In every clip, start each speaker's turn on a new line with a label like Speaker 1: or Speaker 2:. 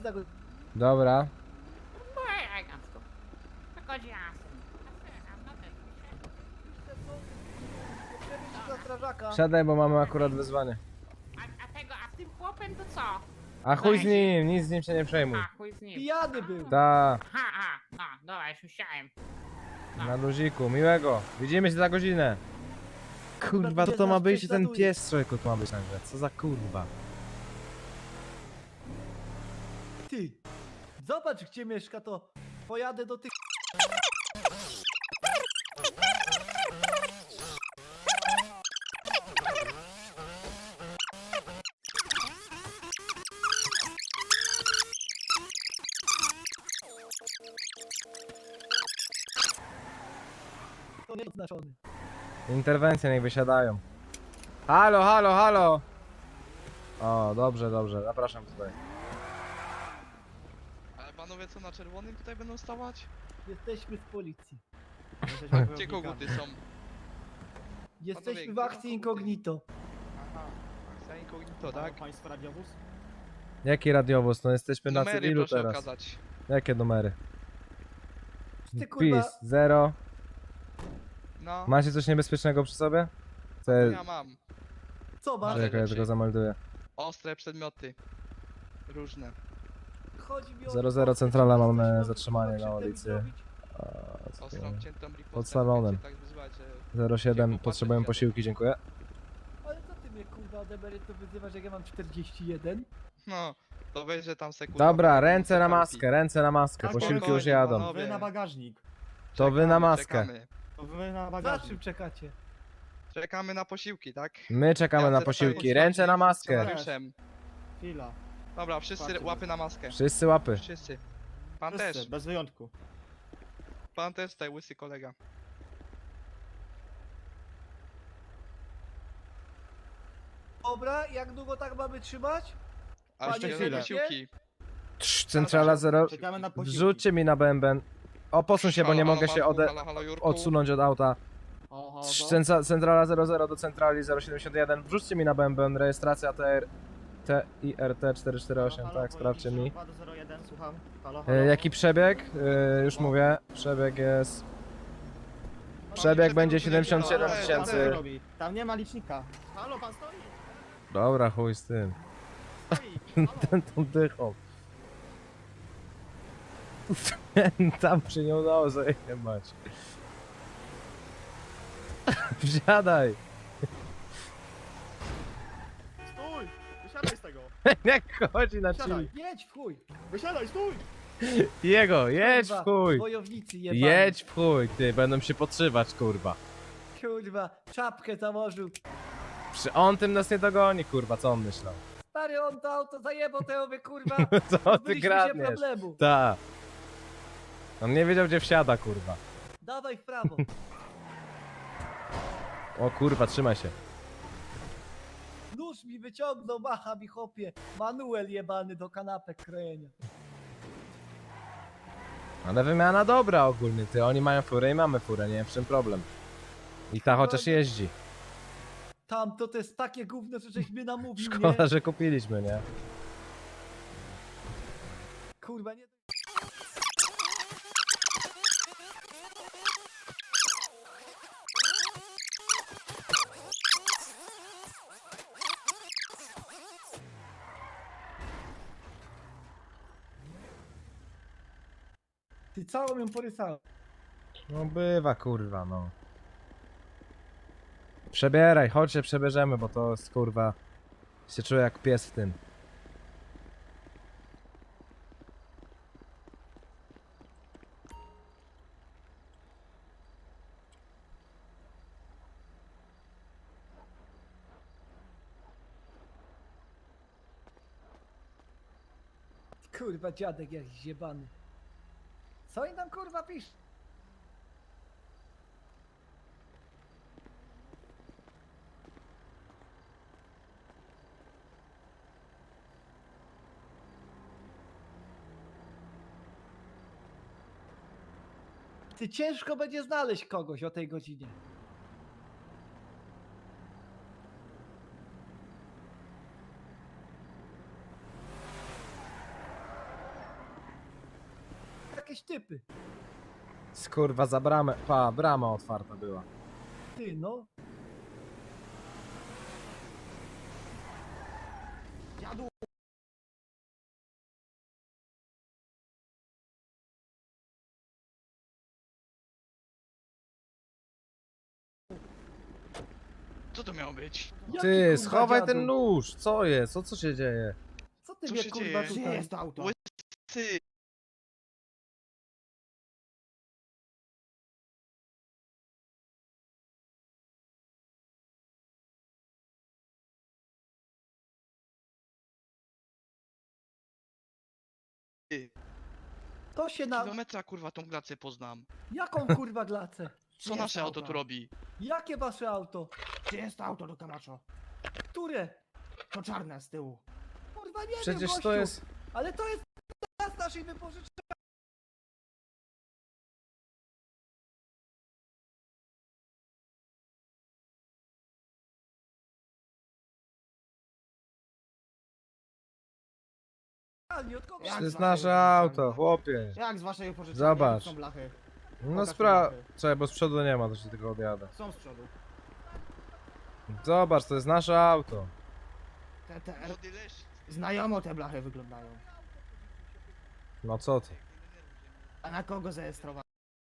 Speaker 1: za godzinę.
Speaker 2: Dobra.
Speaker 3: No elegancko. Tylko jasne.
Speaker 1: Przewieźć za strażaka.
Speaker 2: Siadaj, bo mamy akurat wyzwanie.
Speaker 3: A z tym chłopem to co?
Speaker 2: A chuj z nim, nic z nim się nie przejmuj.
Speaker 3: A, chuj z nim.
Speaker 1: Pijany był.
Speaker 2: Ta,
Speaker 3: No, dobra, już myślałem.
Speaker 2: na luziku, miłego. Widzimy się za godzinę. Kurwa, to ma być ten pies, człowieku, to ma być nagle. Co za kurwa.
Speaker 1: Ty, zobacz gdzie mieszka, to pojadę do tych... To nie oznaczony.
Speaker 2: Interwencje niech wysiadają. Halo, halo, halo. O, dobrze, dobrze, zapraszam tutaj.
Speaker 4: Ale panowie co na czerwonym tutaj będą stawać?
Speaker 1: Jesteśmy z policji.
Speaker 4: Gdzie koguty są?
Speaker 1: Jesteśmy w
Speaker 4: gdzie
Speaker 1: akcji
Speaker 4: są
Speaker 1: incognito.
Speaker 4: Aha, akcja incognito, tak?
Speaker 5: Państwo radiowóz?
Speaker 2: Jaki radiowóz? No jesteśmy na
Speaker 4: Numery
Speaker 2: cywilu
Speaker 4: proszę
Speaker 2: teraz.
Speaker 4: okazać.
Speaker 2: Jakie numery?
Speaker 1: Ty kurwa...
Speaker 2: PiS, 0.
Speaker 4: No,
Speaker 2: Macie coś niebezpiecznego przy sobie?
Speaker 4: ja mam.
Speaker 1: Co masz?
Speaker 4: Ale-
Speaker 2: Czekaj, ja tylko zamelduję.
Speaker 4: Ostre przedmioty. Różne.
Speaker 1: Chodzi mi o...
Speaker 2: 00 centrala, mamy
Speaker 1: Jesteśmy
Speaker 2: zatrzymanie
Speaker 1: kurwa
Speaker 2: na
Speaker 1: krzywdę mi
Speaker 2: ulicy.
Speaker 1: zrobić?
Speaker 4: Ostrą ciętą ripostę.
Speaker 2: Pod salonem.
Speaker 4: Tak wyzwać, że...
Speaker 2: 07,
Speaker 4: Popatrzeć
Speaker 2: potrzebujemy
Speaker 4: jadę.
Speaker 2: posiłki, dziękuję.
Speaker 1: Ale co ty mnie kurwa od emerytu wyzywasz, jak ja mam 41?
Speaker 4: No, to weź, że tam sekundę.
Speaker 2: Dobra, ręce na maskę, ręce na maskę,
Speaker 5: Tak,
Speaker 2: posiłki
Speaker 4: spokojnie,
Speaker 2: już jadą.
Speaker 4: panowie.
Speaker 5: Wy na bagażnik.
Speaker 2: To wy na maskę.
Speaker 4: Czekamy.
Speaker 5: To wy na
Speaker 1: Za
Speaker 5: bagażnik.
Speaker 1: czym czekacie?
Speaker 4: Czekamy na posiłki, tak?
Speaker 2: My czekamy na posiłki, ręce na maskę.
Speaker 4: Funkcjonariuszem.
Speaker 5: Chwila.
Speaker 4: Dobra, wszyscy
Speaker 5: Patrzcie.
Speaker 4: łapy na maskę.
Speaker 2: Wszyscy łapy.
Speaker 4: Wszyscy. Pan
Speaker 5: Wszyscy,
Speaker 4: też.
Speaker 5: bez wyjątku.
Speaker 4: Pan też tutaj, łysy kolega.
Speaker 1: Dobra, jak długo tak mamy trzymać?
Speaker 4: A
Speaker 1: Panie
Speaker 4: jeszcze
Speaker 5: chwilę.
Speaker 4: posiłki.
Speaker 2: Centrala 0.
Speaker 5: Czekamy na posiłki.
Speaker 2: Wrzućcie mi na bęben. O, posuń się, bo nie
Speaker 4: Halo,
Speaker 2: mogę
Speaker 4: halo,
Speaker 2: się
Speaker 4: Marku, halo, halo, Jurku.
Speaker 2: odsunąć od auta.
Speaker 5: Oho,
Speaker 2: Centrala 00 do centrali 071. Wrzućcie mi na bęben, rejestracja TIRT 448, tak, sprawdźcie mi.
Speaker 5: 201, słucham. Halo, halo.
Speaker 2: Jaki przebieg? Już mówię. Przebieg jest... Przebieg będzie 77
Speaker 4: Ale-
Speaker 5: Co
Speaker 2: tysięcy.
Speaker 5: pan robi? Tam nie ma licznika. Halo, pan stoi?
Speaker 2: Dobra, chuj z tym.
Speaker 5: Stoi. Halo.
Speaker 2: Ten tą dychą. Tam się nie udało zajebać. Wsiadaj!
Speaker 5: Stój! Wysiadaj z tego.
Speaker 2: Jak chodzi na
Speaker 5: Siadaj.
Speaker 2: chili.
Speaker 1: Jedź w chuj!
Speaker 5: Wysiadaj, stój!
Speaker 2: Jego, jedź
Speaker 1: Kurwa,
Speaker 2: w chuj!
Speaker 1: Wojownicy jebani.
Speaker 2: Jedź w chuj, ty, będą się podszywać, kurwa.
Speaker 1: Kurwa, czapkę założył.
Speaker 2: On tym nas nie dogoni, kurwa, co on myślał?
Speaker 1: Stary, on to auto zajebał, to ja mówię, kurwa.
Speaker 2: Co ty
Speaker 1: pozbyliśmy się
Speaker 2: kradniesz?
Speaker 1: problemu.
Speaker 2: Ta. On nie wiedział, gdzie wsiada, kurwa.
Speaker 1: Dawaj w prawo.
Speaker 2: O kurwa, trzymaj się.
Speaker 1: Nóż mi wyciągnął, macha mi chopie. Manuel jebany do kanapek krojenia.
Speaker 2: Ale wymiana dobra ogólnie, ty. Oni mają furę i mamy furę, nie wiem w czym problem. I ta chociaż jeździ.
Speaker 1: Tam to jest takie gówno, że żeś mnie namówił,
Speaker 2: Szkoda,
Speaker 1: nie?
Speaker 2: że kupiliśmy, nie?
Speaker 1: Kurwa, nie... Ty całą ją porysałem.
Speaker 2: No bywa, kurwa, no. Przebieraj, chodź się przebierzemy, bo to jest, kurwa... Się czuję jak pies w tym.
Speaker 1: Kurwa, dziadek jakiś zjebany. Co oni tam kurwa pisz? Ty ciężko będzie znaleźć kogoś o tej godzinie. jakieś typy.
Speaker 2: Skurwa, za bramę. Pa, brama otwarta była.
Speaker 1: Ty, no.
Speaker 5: Dziadu!
Speaker 4: Co to miało być?
Speaker 1: Jaki,
Speaker 2: Ty,
Speaker 1: kurwa,
Speaker 2: schowaj
Speaker 1: dziadu?
Speaker 2: ten nóż. Co jest? Co się dzieje?
Speaker 1: Co ty
Speaker 4: Co
Speaker 1: mnie
Speaker 4: się
Speaker 1: kurwa
Speaker 4: dzieje?
Speaker 5: Gdzie
Speaker 1: tutaj?
Speaker 5: jest to auto?
Speaker 4: Ty,
Speaker 1: To się na...
Speaker 4: kilometra kurwa tą glacę poznam.
Speaker 1: Jaką kurwa glacę?
Speaker 4: Co
Speaker 5: jest
Speaker 4: nasze auto
Speaker 5: auto?
Speaker 4: tu robi?
Speaker 1: Jakie wasze auto?
Speaker 5: Gdzie jest to auto do Camacho?
Speaker 1: Które?
Speaker 5: To czarne z tyłu.
Speaker 1: Kurwa nie wiem,
Speaker 2: Przecież
Speaker 1: gościu.
Speaker 2: to jest...
Speaker 1: Ale to jest z naszej wypożyczalni. Od kogo?
Speaker 5: Jak
Speaker 2: To jest
Speaker 5: z waszej
Speaker 2: nasze
Speaker 5: wypożyczalni?
Speaker 2: auto, chłopie.
Speaker 5: Jak z waszej wypożyczalni?
Speaker 2: Zobacz.
Speaker 5: Jakie są blachy?
Speaker 2: No
Speaker 5: Pokaż
Speaker 2: spra...
Speaker 5: blachy.
Speaker 2: Czekaj, bo z przodu nie ma, to się tylko odjadę.
Speaker 5: Są z przodu.
Speaker 2: Zobacz, to jest nasze auto.
Speaker 5: TTR.
Speaker 4: Młody lesz.
Speaker 5: Znajomo te blachy wyglądają.
Speaker 2: No co ty?
Speaker 5: A na kogo zarejestrowane?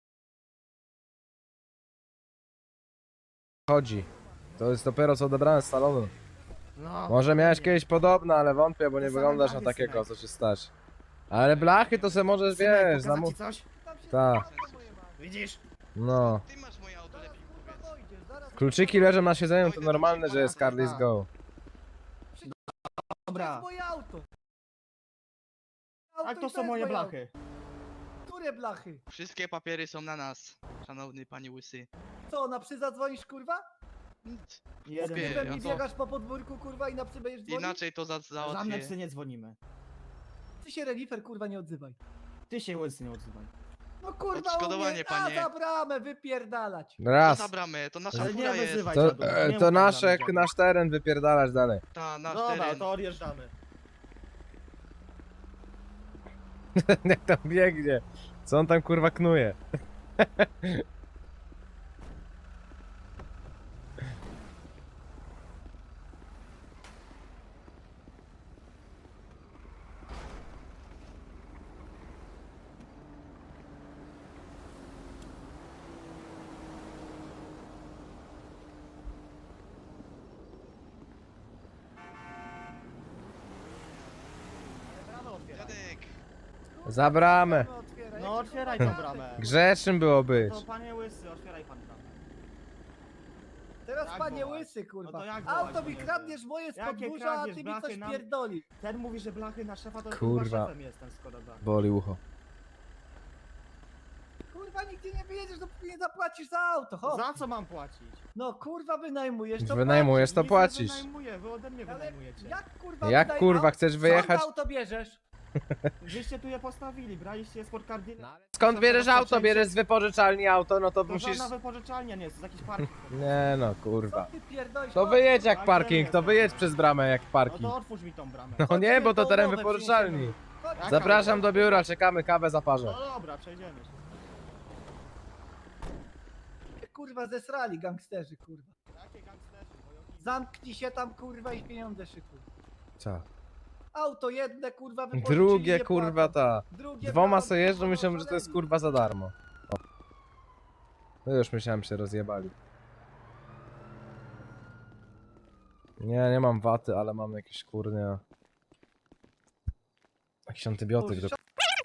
Speaker 2: Chodzi. To jest dopiero co odebrane z salonu.
Speaker 5: No.
Speaker 2: Może miałeś
Speaker 5: dokładnie.
Speaker 2: kiedyś podobne, ale wątpię, bo nie
Speaker 5: Te same
Speaker 2: wyglądasz na
Speaker 5: blachy,
Speaker 2: takiego,
Speaker 5: synek.
Speaker 2: co ci stać. Ale blachy to se możesz,
Speaker 5: Synek,
Speaker 2: wiesz,
Speaker 5: pokazać
Speaker 2: zamu...
Speaker 5: ci coś?
Speaker 2: Tak,
Speaker 5: Widzisz?
Speaker 2: no.
Speaker 4: Ty masz moje auto, lepiej powiedz.
Speaker 2: Kluczyki leżą na siedzeniu, to normalne, że jest Carly's Go.
Speaker 1: To
Speaker 5: Dobra.
Speaker 1: jest moje auto.
Speaker 5: A
Speaker 1: Auto
Speaker 5: to
Speaker 1: i
Speaker 5: są moje
Speaker 1: jest
Speaker 5: blachy.
Speaker 1: auto. Które blachy?
Speaker 4: Wszystkie papiery są na nas, szanowny panie łysy.
Speaker 1: Co, na psy zadzwonisz kurwa?
Speaker 4: Nic.
Speaker 5: Jeden.
Speaker 4: Chłopie,
Speaker 1: Ty we
Speaker 4: ja
Speaker 1: mnie
Speaker 4: to-
Speaker 1: biegasz po podwórku kurwa i na psy będziesz dzwonić?
Speaker 4: Inaczej to
Speaker 5: Żadne
Speaker 4: załatwię.
Speaker 5: psy nie dzwonimy.
Speaker 1: Ty się renifer kurwa nie odzywaj.
Speaker 5: Ty się łysy nie odzywaj.
Speaker 1: No kurwa
Speaker 4: Odszkodowanie,
Speaker 1: umie,
Speaker 4: panie.
Speaker 1: a za bramę wypierdalać.
Speaker 4: To
Speaker 2: Raz.
Speaker 4: za bramę, to nasza
Speaker 5: Ale nie
Speaker 4: fura jest.
Speaker 5: wyzywaj
Speaker 2: To,
Speaker 5: dziadu, nie mów
Speaker 2: to
Speaker 5: tak
Speaker 2: nasze,
Speaker 5: dla mnie,
Speaker 2: nasz teren, wypierdalać dalej.
Speaker 4: Ta, nasz
Speaker 5: Dobra,
Speaker 4: teren.
Speaker 5: to odjeżdżamy.
Speaker 2: Jak tam biegnie. Co on tam kurwa knuje?
Speaker 5: Bramę otwieraj.
Speaker 4: Dziadek,
Speaker 2: Za bramę.
Speaker 1: Otwieraj.
Speaker 5: No
Speaker 1: Jaki,
Speaker 5: otwieraj
Speaker 1: kurwa,
Speaker 5: tą
Speaker 1: dziadek?
Speaker 5: bramę.
Speaker 2: Grzecznym było być.
Speaker 5: To panie łysy, otwieraj pan bramę.
Speaker 1: Teraz
Speaker 5: Jak
Speaker 1: panie
Speaker 5: wołać?
Speaker 1: łysy kurwa.
Speaker 5: No to jak wołać,
Speaker 1: Auto mi
Speaker 5: panie
Speaker 1: kradniesz moje z
Speaker 5: Jakie
Speaker 1: podwórza, a
Speaker 5: kradniesz,
Speaker 1: ty mi
Speaker 5: blachy
Speaker 1: coś
Speaker 5: nam-
Speaker 1: pierdoli.
Speaker 5: Ten mówi, że blachy na szefa to
Speaker 2: Kurwa.
Speaker 5: kurwa szefem jest ten Skoda.
Speaker 2: Boli ucho.
Speaker 1: Kurwa nigdzie nie wyjedziesz, dopóki nie zapłacisz za auto, hop.
Speaker 5: Za co mam płacić?
Speaker 1: No kurwa wynajmujesz, to
Speaker 2: Wynajmujesz, to
Speaker 5: Nic
Speaker 2: płacisz.
Speaker 5: Nie wynajmuję, wy ode mnie
Speaker 1: płacisz. Ale
Speaker 5: wynajmujecie.
Speaker 1: jak kurwa
Speaker 2: Jak
Speaker 1: wynaj-
Speaker 2: kurwa
Speaker 1: au-
Speaker 2: chcesz wyjechać?
Speaker 1: Skąd auto bierzesz?
Speaker 5: Wyście tu je postawili, braliście je z Cardina.
Speaker 2: Skąd bierzesz auto? Bierzesz z wypożyczalni auto, no to
Speaker 5: To
Speaker 2: musisz...
Speaker 5: żadna wypożyczalnia nie jest, to jest jakiś parking.
Speaker 2: Nie no,
Speaker 1: Co
Speaker 2: kurwa.
Speaker 1: ty pierdolisz?
Speaker 2: To
Speaker 1: Hop,
Speaker 2: wyjedź jak
Speaker 5: Tak,
Speaker 2: parking,
Speaker 5: nie
Speaker 2: to
Speaker 5: jest.
Speaker 2: wyjedź przez bramę jak
Speaker 5: No
Speaker 2: parking.
Speaker 5: to otwórz mi tą bramę.
Speaker 2: No nie, bo to teren
Speaker 1: Nowe
Speaker 2: wypożyczalni.
Speaker 1: wniesiemy. Chodź,
Speaker 5: Jaka
Speaker 2: Zapraszam
Speaker 5: umowę?
Speaker 2: do biura, czekamy, kawę zaparzę.
Speaker 5: No dobra, przejdziemy się.
Speaker 1: kurwa zesrali gangsterzy kurwa.
Speaker 5: Jakie gangsterzy, wojownicy?
Speaker 1: Zamknij się tam kurwa i pieniądze szykuj.
Speaker 2: Co?
Speaker 1: Auto jedne kurwa wypożyczyli,
Speaker 2: Drugie
Speaker 1: nie
Speaker 2: kurwa
Speaker 1: płacą.
Speaker 2: ta.
Speaker 1: Drugie
Speaker 2: Dwoma
Speaker 1: brałem,
Speaker 2: sobie jeżdżą,
Speaker 1: kurwa,
Speaker 2: myślą, że to jest
Speaker 1: oszaleli.
Speaker 2: kurwa za darmo. O. No już myślałem, się rozjebali. Nie mam waty, ale mam jakieś kurnie... Jakiś antybiotyk do...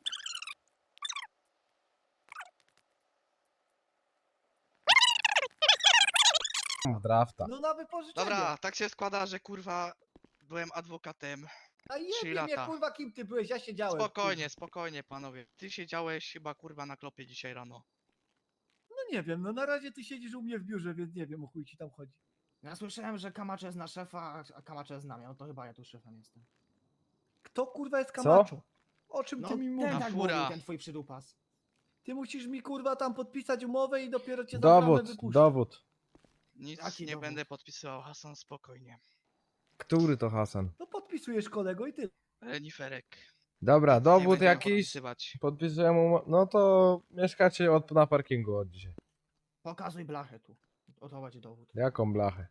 Speaker 2: Drafta.
Speaker 1: No na wypożyczenie.
Speaker 4: dobra, tak się składa, że kurwa byłem adwokatem.
Speaker 1: A
Speaker 4: 3
Speaker 1: jebie mnie
Speaker 4: lata.
Speaker 1: kurwa kim ty byłeś, ja siedziałem.
Speaker 4: Spokojnie, spokojnie panowie. Ty siedziałeś chyba kurwa na klopie dzisiaj rano.
Speaker 1: No nie wiem, no na razie ty siedzisz u mnie w biurze, więc nie wiem o chuj ci tam chodzi.
Speaker 5: Ja słyszałem, że Camacho jest na szefa, a Camacho jest na mnie, no to chyba ja tu szefem jestem.
Speaker 1: Kto kurwa jest
Speaker 2: Co?
Speaker 1: Camacho? O czym
Speaker 5: No
Speaker 1: ty mi
Speaker 5: ten
Speaker 1: mówisz?
Speaker 4: Na
Speaker 5: tak
Speaker 4: fura.
Speaker 5: mówił, ten twój przydupas.
Speaker 1: Ty musisz mi kurwa tam podpisać umowę i dopiero cię za bramę
Speaker 2: Dowód,
Speaker 1: wypuszczę.
Speaker 2: dowód.
Speaker 4: Nic
Speaker 5: Jaki
Speaker 4: nie
Speaker 5: dowód?
Speaker 4: będę podpisywał, Hasan, spokojnie.
Speaker 2: Który to Hasan?
Speaker 1: No podpisujesz kolego i ty.
Speaker 4: Reniferek.
Speaker 2: Dobra,
Speaker 4: Nie
Speaker 2: dowód
Speaker 4: będziemy
Speaker 2: jakiś,
Speaker 4: podpisywać.
Speaker 2: podpisuję mu, no to mieszkacie na parkingu od dzisiaj.
Speaker 5: Pokazuj blachę tu. Oto będzie dowód.
Speaker 2: Jaką blachę?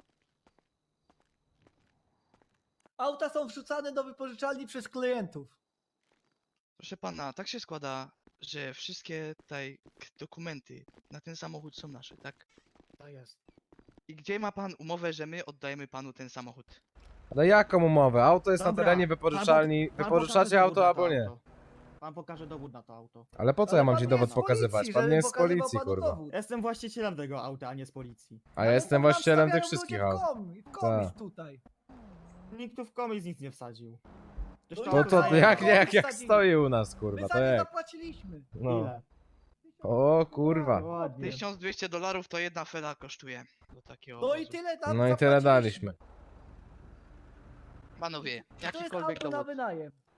Speaker 1: Auta są wrzucane do wypożyczalni przez klientów.
Speaker 4: Proszę pana, tak się składa, że wszystkie tutaj dokumenty na ten samochód są nasze, tak?
Speaker 5: To jest.
Speaker 4: I gdzie ma pan umowę, że my oddajemy panu ten samochód?
Speaker 2: No jaką umowę? Auto jest na
Speaker 5: Dobra,
Speaker 2: terenie wypożyczalni,
Speaker 5: pan pokaże
Speaker 2: wypożyczacie
Speaker 5: dowód
Speaker 2: auto
Speaker 5: na
Speaker 2: albo
Speaker 5: to
Speaker 2: nie.
Speaker 5: auto. Pan pokaże dowód na to auto.
Speaker 2: Ale po co
Speaker 1: Ale
Speaker 2: ja mam
Speaker 1: pan
Speaker 2: ci
Speaker 1: nie
Speaker 2: dowód
Speaker 1: jest z policji,
Speaker 2: pokazywać? Pan
Speaker 1: żeby
Speaker 2: nie jest z
Speaker 1: pokazywał
Speaker 2: policji,
Speaker 1: panu
Speaker 2: kurwa.
Speaker 1: dowód.
Speaker 5: Jestem właścicielem tego auta, a nie z policji.
Speaker 2: A ja jestem
Speaker 1: tam
Speaker 2: właścicielem tych
Speaker 1: wstawiają
Speaker 2: wszystkich
Speaker 1: ludzie
Speaker 2: aut.
Speaker 1: w komis
Speaker 2: Tak.
Speaker 1: tutaj.
Speaker 5: Nikt tu w komis nic nie wsadził. Ktoś
Speaker 1: No
Speaker 5: to
Speaker 2: To
Speaker 5: auto
Speaker 2: to
Speaker 5: zajebał.
Speaker 2: jak stoi u nas,
Speaker 1: My
Speaker 2: kurwa,
Speaker 1: za
Speaker 2: to
Speaker 1: nie
Speaker 2: jak?
Speaker 1: zapłaciliśmy.
Speaker 2: No.
Speaker 5: Ile?
Speaker 2: O kurwa.
Speaker 5: Ładnie.
Speaker 4: $1200 to jedna fela kosztuje. Do takiego
Speaker 1: No i
Speaker 4: obozu.
Speaker 1: tyle tam
Speaker 2: No i tyle
Speaker 1: zapłaciliśmy.
Speaker 2: daliśmy.
Speaker 4: Panowie,
Speaker 1: To jest
Speaker 4: jakikolwiek
Speaker 1: auto na
Speaker 4: dowód.
Speaker 1: wynajem.